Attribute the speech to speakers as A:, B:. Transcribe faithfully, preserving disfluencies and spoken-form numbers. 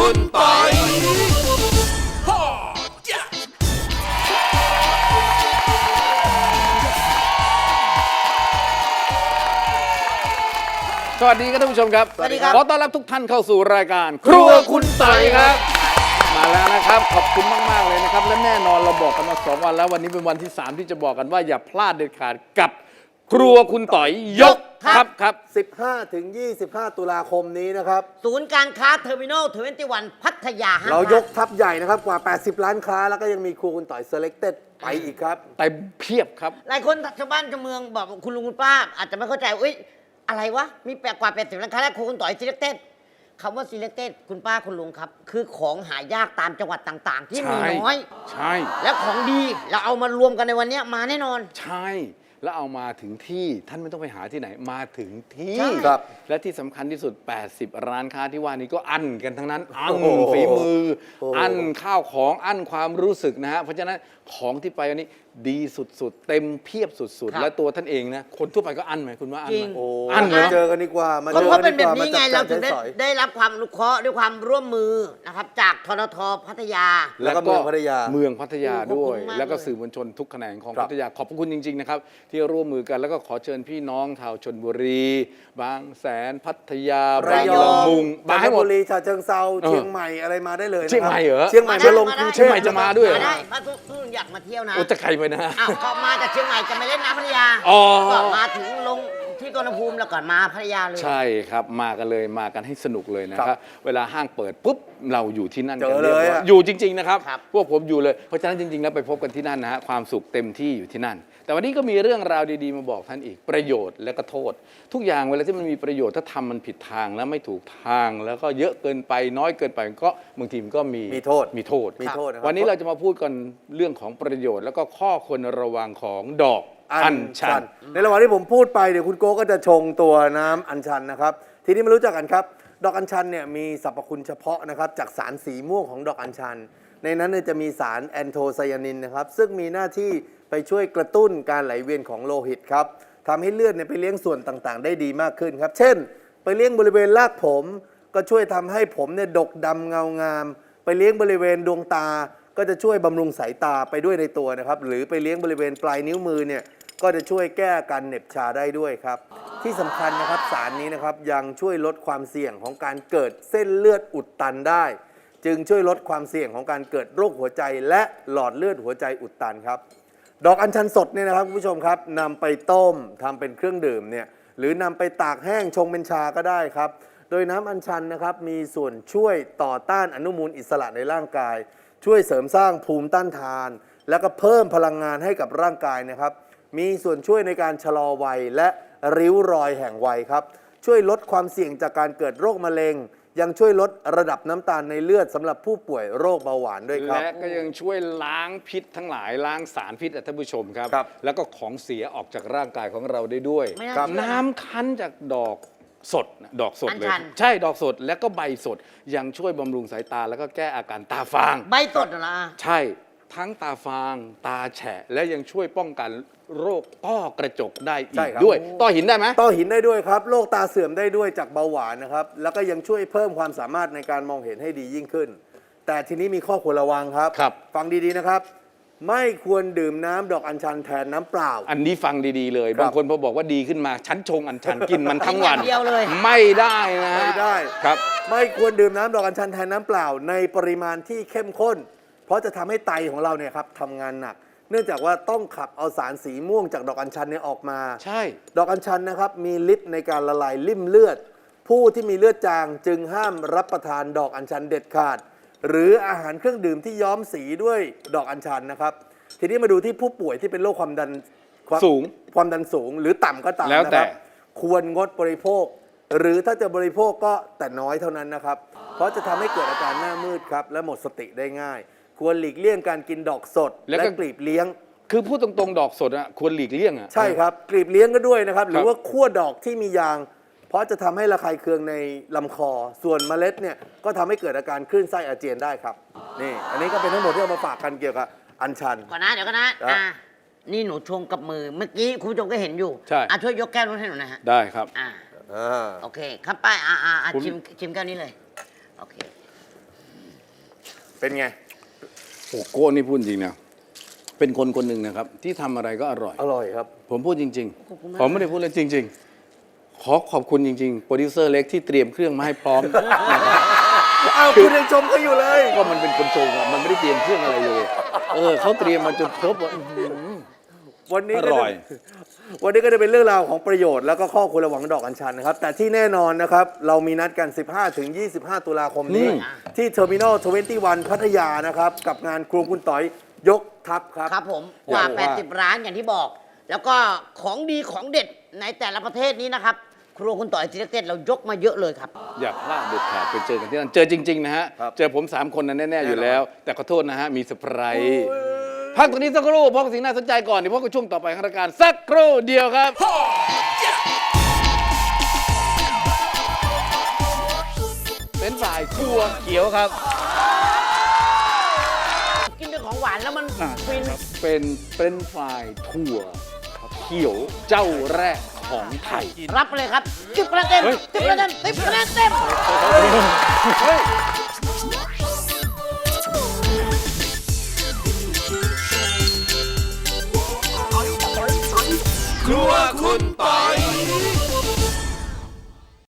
A: คุณปอยสวัสดีครับท่านผู้ชมครับสวัสดีครับขอต้อนรับทุกท่านเข้าสู่รายการครัวคุณปอยครับมาแล้วนะครับขอบคุณมากๆเลยนะครับและแน่นอนเราบอกกันมาสองวันแล้ววันนี้เป็นวันที่สามที่จะบอกกันว่าอย่าพลาดเด็ดขาดกับครัวคุณต่อยยกครับครับ
B: สิบห้าถึงยี่สิบห้าตุลาคมนี้นะครับ
C: ศูนย์การค้าเทอร์มินอลทเวนตี้วันพัทยา
B: เรายกทัพใหญ่นะครับกว่าแปดสิบล้านค้าแล้วก็ยังมีครัวคุณต่อย Selected ไปอีกครับ
A: เต็มเพียบครับ
C: หลายคนชาวบ้านชาวเมืองบอกคุณลุงคุณป้าอาจจะไม่เข้าใจเอ้ยอะไรวะมีแปลกว่าแปดสิบล้านค้าแล้วครัวคุณต่อย Selected คำว่า Selected คุณป้าคุณลุงครับคือของหายากตามจังหวัดต่างๆที่มีน้อย
A: ใช่
C: แล้วของดีเราเอามารวมกันในวันนี้มาแน่นอน
A: ใช่แล้วเอามาถึงที่ท่านไม่ต้องไปหาที่ไหนมาถึงที่
B: ครับ
A: และที่สำคัญที่สุดแปดสิบร้านค้าที่ว่านี้ก็อั้นกันทั้งนั้นอั้นฝีมืออั้นข้าวของอั้นความรู้สึกนะฮะเพราะฉะนั้นของที่ไปวันนี้ดีสุดๆเต็มเพียบสุดๆและตัวท่านเองนะคนทั่วไปก็อั้นไหมคุณว่าอั้นไหม
B: อั้นเลยเจอกันดีกว่า
C: มาเจอกันดีกว่ามาจับจ่ายใช้สอยได้รับความอนุเคราะห์ด้วยความร่วมมือนะครับจากทนทพัทยา
B: แล้วก็เมืองพัทยา
A: เมืองพัทยาด้วยแล้วก็สื่อมวลชนทุกแขนงของพัทยาขอบคุณจริงๆนะครับที่ร่วมมือกันแล้วก็ขอเชิญพี่น้องชาวชลบุรีบางแสนพัทยาบางละมุง
B: บางบุรีฉะเชิงเทราเชียงใหม่อะไรมาได้เลย
A: เชียงใหม่เหรอ
B: เชียงใหม่มาลงกรุงเทพ
A: เชียงใหม่จะมาด้วย
C: ได้ถ้าทุกอยากมาเที่ยวนะ
A: โอ้จะใครไปนะ
C: อ้าวก็มาจากเชียงใหม่จะไปเล่นน้ำพัทยาก็มาถึงลงที่กรณภูมิแล้วก่อนมาพัทยาเลย
A: ใช่ครับมากันเลยมากันให้สนุกเลยนะครับเวลาห้างเปิดปุ๊บเราอยู่ที่นั่น
B: กันเลย
A: อยู่จริงๆนะครับพวกผมอยู่เลยเพราะฉะนั้นจริงๆแล้วไปพบกันที่นั่นนะฮะความสุขเต็มที่อยู่ที่นั่นแต่วันนี้ก็มีเรื่องราวดีๆมาบอกท่านอีกประโยชน์และก็โทษทุกอย่างเวลาที่มันมีประโยชน์ถ้าทำมันผิดทางแล้วไม่ถูกทางแล้วก็เยอะเกินไปน้อยเกินไปก็บางทีมันก็มี
B: มีโทษ
A: มีโทษ
B: มีโทษ
A: วันนี้เราจะมาพูดกันเรื่องของประโยชน์แล้วก็ข้อควรระวังของดอกอัญชัน
B: ในระหว่างที่ผมพูดไปเดี๋ยวคุณโก้ก็จะชงตัวน้ำอัญชันนะครับทีนี้มารู้จักกันครับดอกอัญชันเนี่ยมีสรรพคุณเฉพาะนะครับจากสารสีม่วงของดอกอัญชันในนั้นจะมีสารแอนโทไซยานินนะครับซึ่งมีหน้าที่ไปช่วยกระตุ้นการไหลเวียนของโลหิตครับทำให้เลือดไปเลี้ยงส่วนต่างๆได้ดีมากขึ้นครับเช่นไปเลี้ยงบริเวณรากผมก็ช่วยทำให้ผมเนี่ยดกดำเงางามไปเลี้ยงบริเวณดวงตาก็จะช่วยบำรุงสายตาไปด้วยในตัวนะครับหรือไปเลี้ยงบริเวณปลายนิ้วมือเนี่ยก็จะช่วยแก้การเหน็บชาได้ด้วยครับที่สำคัญนะครับสารนี้นะครับยังช่วยลดความเสี่ยงของการเกิดเส้นเลือดอุดตันได้จึงช่วยลดความเสี่ยงของการเกิดโรคหัวใจและหลอดเลือดหัวใจอุดตันครับดอกอัญชันสดเนี่ยนะครับคุณผู้ชมครับนำไปต้มทำเป็นเครื่องดื่มเนี่ยหรือนำไปตากแห้งชงเป็นชาก็ได้ครับโดยน้ำอัญชันนะครับมีส่วนช่วยต่อต้านอนุมูลอิสระในร่างกายช่วยเสริมสร้างภูมิต้านทานแล้วก็เพิ่มพลังงานให้กับร่างกายนะครับมีส่วนช่วยในการชะลอวัยและริ้วรอยแห่งวัยครับช่วยลดความเสี่ยงจากการเกิดโรคมะเร็งยังช่วยลดระดับน้ำตาลในเลือดสำหรับผู้ป่วยโรคเบาหวานด้วยครับ
A: และก็ยังช่วยล้างพิษทั้งหลายล้างสารพิษท่านผู้ชมครับแล้วก็ของเสียออกจากร่างกายของเราได้ด้วยน้ำคั้นจากดอกสดดอกสดเลยใช่ดอกสดและก็ใบสดยังช่วยบำรุงสายตาแล้วก็แก้อาการตาฟาง
C: ใบสดเหรอ
A: ใช่ทั้งตาฟางตาแฉะและยังช่วยป้องกันโรคต้อกระจกได้อีกด้วยต้อหินได้ไหม
B: ต้อหินได้ด้วยครับโรคตาเสื่อมได้ด้วยจากเบาหวานนะครับแล้วก็ยังช่วยเพิ่มความสามารถในการมองเห็นให้ดียิ่งขึ้นแต่ทีนี้มีข้อควรระวังครับฟังดีๆนะครับไม่ควรดื่มน้ำดอกอัญชันแทนน้ำเปล่า
A: อันนี้ฟังดีๆเลยบางคนพอบอกว่าดีขึ้นมาฉันชงอัญชันกินมันทั้งวัน
C: เดียวเลย
A: ไม่ได้นะ
B: ไม่ได้
A: ครับ
B: ไม่ควรดื่มน้ำดอกอัญชันแทนน้ำเปล่าในปริมาณที่เข้มข้นเพราะจะทำให้ไตของเราเนี่ยครับทำงานหนักเนื่องจากว่าต้องขับเอาสารสีม่วงจากดอกอัญชันเนี่ยออกมา
A: ใช่
B: ดอกอัญชันนะครับมีฤทธิ์ในการละลายลิ่มเลือดผู้ที่มีเลือดจางจึงห้ามรับประทานดอกอัญชันเด็ดขาดหรืออาหารเครื่องดื่มที่ย้อมสีด้วยดอกอัญชันนะครับทีนี้มาดูที่ผู้ป่วยที่เป็นโรคความดัน
A: สูง
B: ความดันสูงหรือต่ำก็ตามนะครับควรงดบริโภคหรือถ้าจะบริโภคก็แต่น้อยเท่านั้นนะครับเพราะจะทำให้เกิดอาการหน้ามืดครับและหมดสติได้ง่ายควรหลีกเลี่ยงการกินดอกสดและกลีบเลี้ยง
A: คือพูดตรงๆดอกสดอ่ะควรหลีกเลี่ยงอ่ะ
B: ใช่ครับกลีบเลี้ยงก็ด้วยนะครับหรือว่าคั่วดอกที่มียางเพราะจะทำให้ระคายเคืองในลำคอส่วนเมล็ดเนี่ยก็ทำให้เกิดอาการคลื่นไส้อาเจียนได้ครับนี่อันนี้ก็เป็นทั้งหมดที่เอามาฝากกันเกี่ยวกับอัญชัน
C: ก่อนนะเดี๋ยวก่อนนะอ่านี่หนูชงกับมือเมื่อกี้คุณผู้ชมก็เห็นอยู่
A: ใช่
C: อ่ะช่วยยกแก้วนู้นให้หนูนะฮะ
A: ได้ครับ
C: อ่าโอเคครับป้ายอ่าอ่าชิมชิมแก้วนี้เลยโอเค
B: เป็นไง
A: โอ้โก้นี่พูดจริงนะเป็นคนคนหนึ่งนะครับ ที่ทำอะไรก็อร่อย
B: อร่อยครับ
A: ผมพูดจริง
C: ขอบคุณมาก
A: ๆ ผมไม่ได้พูดเลยจริง ๆ ขอขอบคุณจริง ๆ โปรดิวเซอร์เล็กที่เตรียมเครื่องมาให้พร้อม
B: อ้าวคุณยังชมเขาอยู่เลย
A: ก็มันเป็นคนโชว์อะมันไม่ได้เตรียมเครื่องอะไรเลย เออเขาเตรียมมาจนครบอะอื้อหือ
B: วันนี้
A: อ
B: ก็
A: ร่
B: จะ
A: อย
B: วันนี้ก็จะเป็นเรื่องราวของประโยชน์แล้วก็ข้อควรระวังดอกอัญชันนะครับ แต่ที่แน่นอนนะครับ เรามีนัดกัน สิบห้าถึงยี่สิบห้า ตุลาคมนี้ ที่เทอร์มินอลทเวนตี้วันพัทยานะครับ กับงานครัวคุณต่อยยกทัพครับ
C: ครับผมกว่า
B: อยากว่า
C: แปดสิบ ร้านอย่างที่บอก แล้วก็ของดีของเด็ดในแต่ละประเทศนี้นะครับ ครัวคุณต่อยซีเล็กเต็ดเรายกมาเยอะเลยครับ
A: อย่าพลาดเด็ดขาดไปเจอกันที่นั่น เจอจริง ๆ นะฮะ
B: ครับ
A: เจอผมสามคนนั้นแน่ ๆ อยู่แล้ว แต่ขอโทษนะฮะ มีเซอร์ไพรส์
B: โอ้ย
A: พักตรงนี้สักครู่พบกับสิ่งน่าสนใจก่อนเดี๋ยวพบกับช่วงต่อไปของรายการสักครู่เดียวครับ เป็นฝ่ายถั่วเขียวครับ
C: กินด้วยของหวานแล้วมันฟิน
A: เป็นเป็นฝ่ายถั่วเขียวเจ้าแรกของไทย
C: รับไปเลยครับสิบคะแนนเต็ม
A: เฮ้ย
C: สิบคะแนนเต็มสิบคะแนนเต็ม
A: เฮ้ย
D: ครัวคุณปอย